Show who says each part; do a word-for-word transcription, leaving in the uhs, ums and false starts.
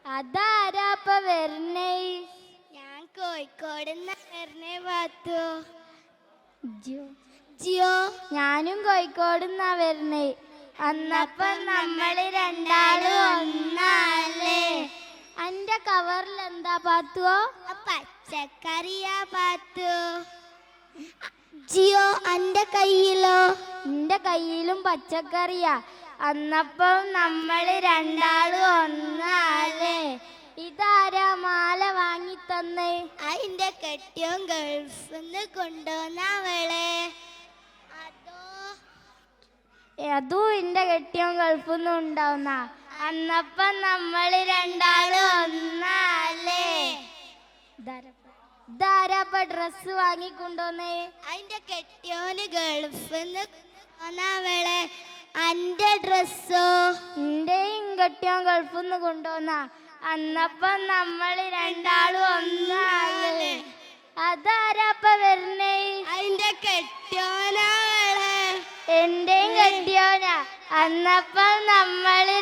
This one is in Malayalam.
Speaker 1: അതാരാപ്പ വരണേ?
Speaker 2: ഞാൻ കോഴിക്കോട് വരണേ പാത്തു.
Speaker 1: ജിയോ ഞാനും കോഴിക്കോട് നിന്നാ വരണേ. അന്നപ്പം നമ്മള് രണ്ടാളും ഒന്നല്ലേ? അന്റെ കവറിൽ എന്താ പാത്തുവോ?
Speaker 2: പച്ചക്കറിയാ പാത്തു. ജിയോ അന്റെ കയ്യിലോ?
Speaker 1: എന്റെ കയ്യിലും പച്ചക്കറിയാ. അന്നപ്പം നമ്മള് രണ്ടാളും ഒന്നല്ലേ? ഇതാരാ മാല വാങ്ങി തന്നേ?
Speaker 2: അതിന്റെ കെട്ടിയോൻ ഗൾഫിന്ന് കൊണ്ടുവന്നവളെ.
Speaker 1: അതും എന്റെ കെട്ടിയോൻ ഗൾഫിന്ന് ഉണ്ടാവുന്ന. അന്നപ്പം നമ്മള് രണ്ടാളും ഒന്നല്ലേ? ഇതാരാപ്പ ഡ്രസ് വാങ്ങിക്കൊണ്ടോന്നേ?
Speaker 2: അതിന്റെ കെട്ടിയോന് ഗൾഫിന്ന് കൊണ്ടുവന്നവളെ. അന്റെ ഡ്രസ്സോ?
Speaker 1: എന്റെയും കെട്ടിയോൻ ഗൾഫിന്ന് കൊണ്ടുവന്ന. അന്നപ്പം നമ്മള് രണ്ടാളും ഒന്നല്ലേ? അതാരാപ്പ വരണേ?
Speaker 2: അതിന്റെ കെട്ടിയോനാവളെ.
Speaker 1: എന്റെയും കെട്ടിയോനാ. അന്നപ്പം നമ്മള്